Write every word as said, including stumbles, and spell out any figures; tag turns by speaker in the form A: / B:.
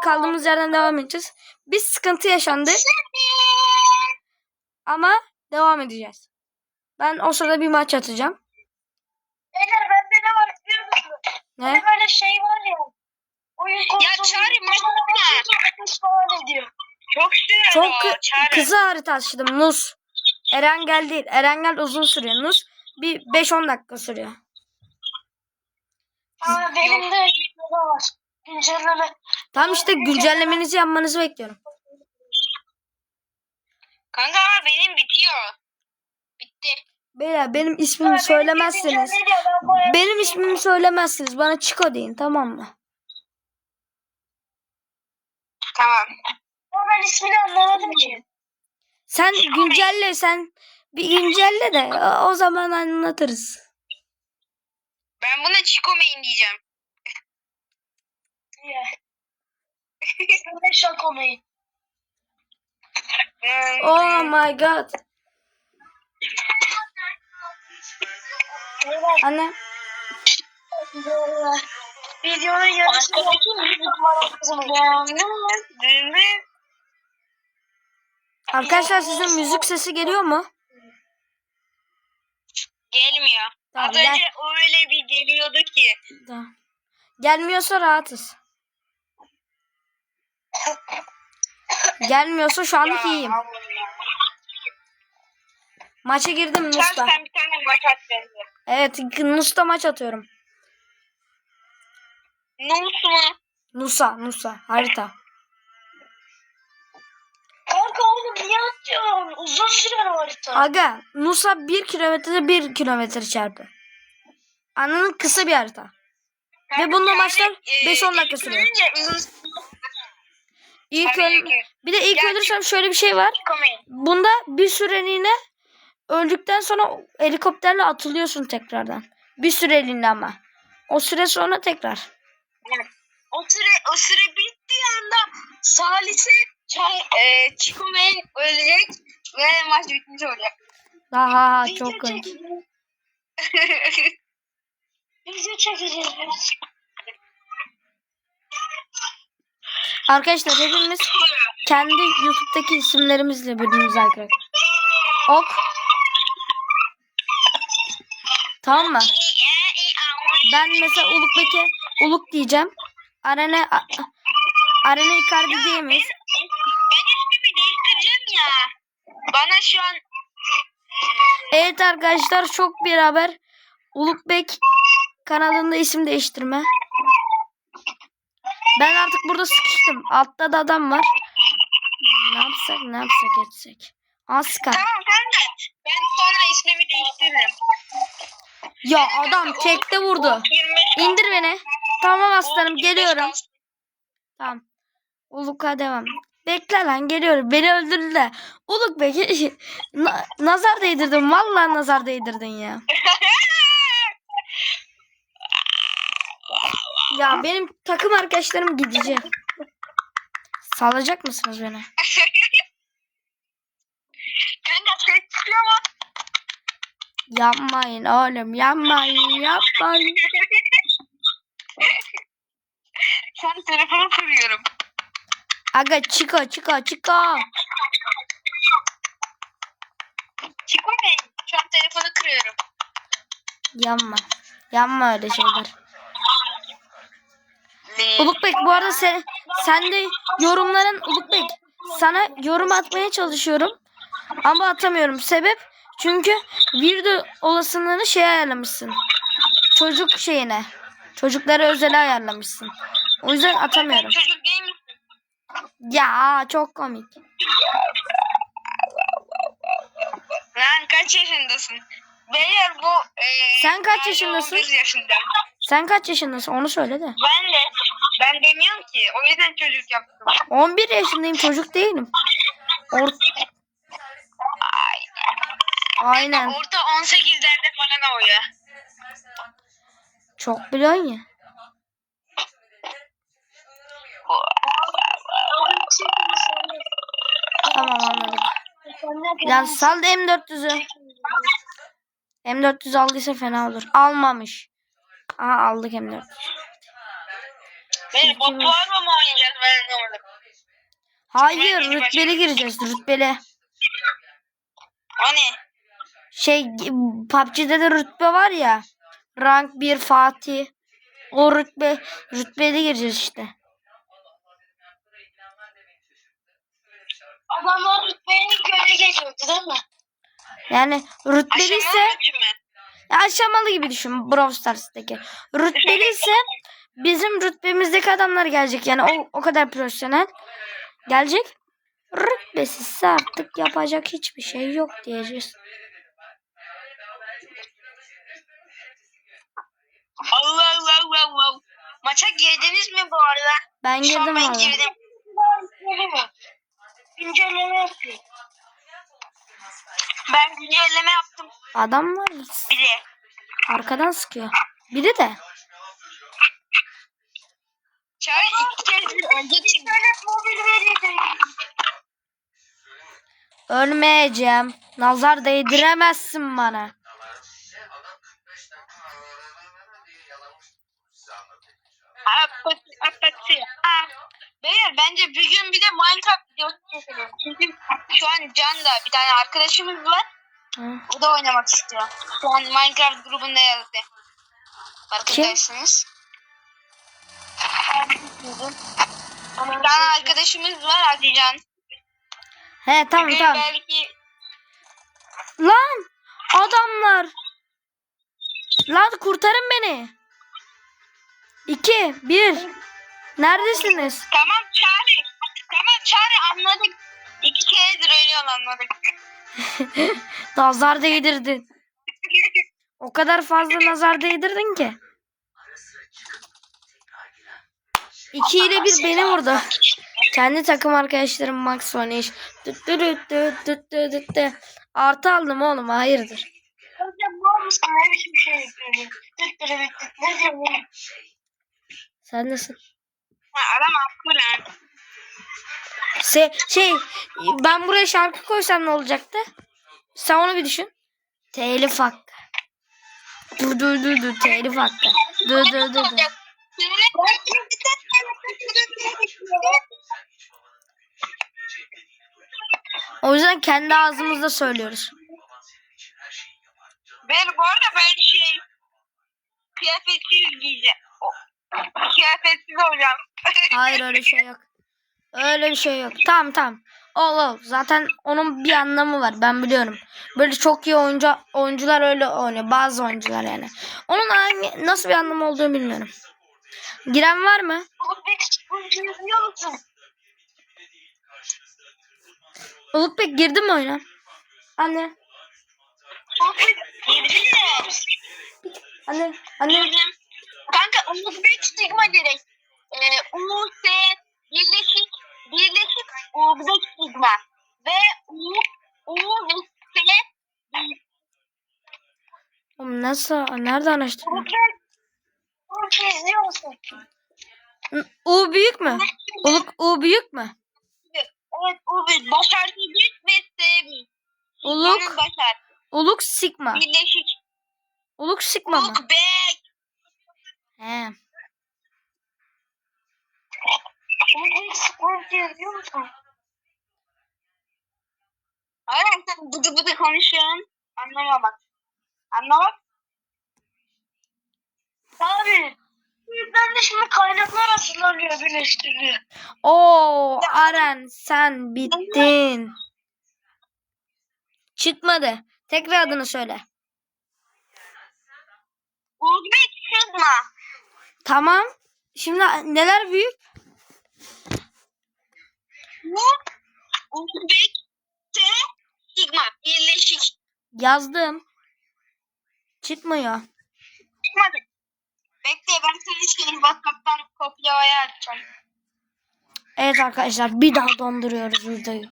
A: kaldığımız yerden devam edeceğiz. Bir sıkıntı yaşandı. Ama devam edeceğiz. Ben o sırada bir maç atacağım.
B: Beyler bende ne var biliyor musun?
A: Ne?
B: Hani böyle şey var ya. Oyun
C: Ya Çağrı maç
B: falan ediyor.
C: Çok sürüyor
A: Çok
C: o
A: kı-
C: Çağrı.
A: kısa harita açtım. Nus. Erengel değil. Erengel uzun sürüyor. Nus bir beş on dakika sürüyor.
B: Aa, benim de ne var? Güncelleme.
A: Tam işte güncellemenizi yapmanızı bekliyorum.
C: Kanka ama benim bitiyor. Bitti.
A: Beyler benim ismimi söylemezseniz. Benim ismimi söylemezsiniz. Bana Chico deyin, tamam mı?
C: Tamam.
B: Ama ben ismini anlamadım ki.
A: Sen güncelle, sen bir güncelle de o- o zaman anlatırız.
C: Ben buna Chico Main diyeceğim.
B: Niye? Ben de şok olmayı.
A: Oh my god. Anne.
B: Videonun yarısını
A: Arkadaşlar sizin müzik sesi geliyor mu?
C: Gelmiyor.
A: Tamam,
C: Az
A: gel.
C: önce öyle bir geliyordu ki.
A: Tamam. Gelmiyorsa rahatız. Gelmiyorsa şu anlık iyiyim. Maça girdim
C: Sen,
A: Nus'ta.
C: sen bir tane maç at bence.
A: Evet, Nus'ta maç atıyorum.
C: Nus mu?
A: Nusa, Nusa harita.
B: Kanka oğlum niye atıyorsun? Uzun süren o harita.
A: Aga, Nusa bir kilometre bir kilometre çarpı. Anladın, kısa bir harita. Ve bununla maçlar beş on dakika sürüyor. İlk öl bir de ilk ölürsem şöyle bir şey var. Bunda bir süreliğine öldükten sonra helikopterle atılıyorsun tekrardan. Bir süreliğine ama. O süre sonra tekrar.
C: O süre o süre bittiği anda Salise e, Chico Main ölecek ve maç bitmiş olacak.
A: Daha
B: Video
A: çok komik.
B: çekeceğiz. Video çekeceğiz biz.
A: Arkadaşlar hepimiz kendi YouTube'daki isimlerimizle birbirimize arkadaşlar. Ok. Tamam mı? Ben mesela Ulukbek'e Uluk diyeceğim. Arena A- Arena Icardi diyemeyiz.
C: Ben ismimi değiştireceğim ya. Bana şu an
A: Evet arkadaşlar, çok bir haber. Ulukbek kanalında isim değiştirme. Ben artık burada sıkıştım. Altta da adam var. Ne yapsak ne yapsak etsek. Aska.
C: tamam sen de. Ben sonra ismimi değiştiririm.
A: Ya adam tekte vurdu.
C: yirmi beş
A: İndir beni. Tamam aslanım,
C: yirmi beş
A: geliyorum.
C: kalsın.
A: Tamam. Uluk'a devam. Bekle lan, geliyorum. Beni öldürdüler. Uluk be. Na- nazar değdirdin. Vallahi nazar değdirdin ya. Ya benim takım arkadaşlarım gidecek. Salacak mısınız beni?
C: Kanka ses çıkıyor mu?
A: Yapmayın oğlum. Yapmayın. Yapmayın.
C: Şu an telefonu kırıyorum.
A: Aga Chico Chico Chico.
C: Chico Main. Şu an telefonu kırıyorum.
A: Yanma. Yanma öyle şeyler. Ulukbek bu arada sen, sen de yorumların Ulukbek. Sana yorum atmaya çalışıyorum. Ama atamıyorum. Sebep? Çünkü video olasılığını şey ayarlamışsın. Çocuk şeyine. Çocuklara özel ayarlamışsın. O yüzden atamıyorum.
C: Çocuk değil misin?
A: Ya çok komik.
C: Lan kaç yaşındasın? Beyler bu... E,
A: Sen kaç
C: yani
A: yaşındasın?
C: on bir yaşında.
A: Sen kaç yaşındasın? Onu söyle de.
C: Ben de. Ben demiyorum ki. O yüzden çocuk yaptım.
A: on bir yaşındayım. Çocuk değilim. Or Aynen.
C: Orada on sekizlerde falan o ya.
A: Çok biliyorsun ya. Tamam anladım. Ya sal da M dört yüz'ü. M dört yüz aldıysa fena olur. Almamış. Aha aldık M dört yüz.
C: Beni botlarla mı oynayacağız ben anlamadım.
A: Hayır,
C: Ben-
A: rütbeli gireceğiz, rütbeli.
C: Hani
A: Şey, P U B G'de de rütbe var ya. Rank bir Fatih. O rütbe, rütbeli gireceğiz işte.
B: Adamlar rütbeni göre geçiyordu değil mi?
A: Yani rütbeli ise
C: aşamalı için mi?
A: ya aşamalı gibi düşün Brawl Stars'taki. Rütbeli ise bizim rütbemizdeki adamlar gelecek. Yani o, o kadar profesyonel gelecek. Rütbesizse artık yapacak hiçbir şey yok diyeceğiz.
C: Allah Allah Allah Allah. Maça girdiniz mi bu arada?
A: Ben
C: Şu an
A: girdim
C: ben
A: valla.
C: girdim.
B: İnceleme yapıyor.
C: Ben güncelleme yaptım
A: Adam var
C: bir de.
A: arkadan sıkıyor. Biri de.
C: Çay iki kez önce çıktı.
B: İnternet mobil veriydi.
A: Ölmeyeceğim. Nazar değdiremezsin bana.
C: Apatı apatı. Aa. Beyler bence bir gün bir de Minecraft videosu çekelim. Çünkü şu an Can da bir tane arkadaşımız var.
A: Hı.
C: O da oynamak istiyor. Şu an Minecraft grubunda yazdı. Farkındaysanız. Bir tane arkadaşımız var Hadi Can.
A: He tamam
C: Bugün
A: tamam.
C: belki
A: Lan adamlar. Lan kurtarın beni. İki, bir. Neredesiniz?
C: tamam Çağrı. Tamam Çağrı anladık. İki keredir ölüyor anladık.
A: Nazar değdirdin. O kadar fazla nazar değdirdin ki. İki ile bir beni vurdu. Kendi takım arkadaşlarım Max Vanish. Düt düt düt düt düt düt düt düt. Artı aldım oğlum hayırdır.
B: Hocam var mısın? Ne biçim şey yapıyorsun? Tıttırı bitti. Ne diyorsun?
A: Sen nasıl?
C: Ha, adam haklı lan.
A: Şey, şey ben buraya şarkı koysam ne olacaktı? Sen onu bir düşün. Telif hakkı. Dur dur dur dur telif hakkı. Dur dur dur dur. O yüzden kendi ağzımızda söylüyoruz.
C: Ben bu arada ben şey kıyafetsiz giyeceğim. Kıyafetsiz olacağım.
A: Hayır öyle şey yok. Öyle bir şey yok. Tamam tamam. Ol ol. Zaten onun bir anlamı var. Ben biliyorum. Böyle çok iyi oyuncu oyuncular öyle oynuyor. Bazı oyuncular yani. Onun hangi, nasıl bir anlamı olduğunu bilmiyorum. Giren var mı?
B: Bunu yazıyor musun?
A: Ulukbek girdi mi oyuna? Anne.
B: Sohbet
A: Anne. Anne.
C: Girdim. Kanka Uzbek Sigma direkt. Ee, U, S, birleşik, birleşik Uzbek Sigma. Ve U, U ve S.
A: Oğlum nasıl? Nerede araştırdın?
B: Sohbet Bunu izliyor musun?
A: U büyük mü? Uluk U büyük mü?
C: Evet U ve başarı büyük ve S büyük.
A: Uluk.
C: Sigma'nın başar.
A: Uluk Sigma.
C: Birleşik.
A: Uluk Sigma mı?
C: Uluk Bek.
A: He.
B: Bunu izliyor musun?
C: Aynen sen bıdı bıdı konuşuyorsun. Anlamamak. Anlamak.
B: Abi. Ben de şimdi kaynaklar hazırlanıyor birleştiriliyor.
A: Oo Aren sen bittin. Çıkmadı. Tekrar adını söyle.
C: Uzbek Sigma.
A: Tamam. Şimdi neler büyük?
C: Bu Uzbek T Sigma. Birleşik.
A: Yazdım. Çıkmıyor.
C: Çıkmadı. Bekle ben senin şeyini WhatsApp'tan kopyaya atacağım.
A: Evet arkadaşlar bir daha donduruyoruz videoyu.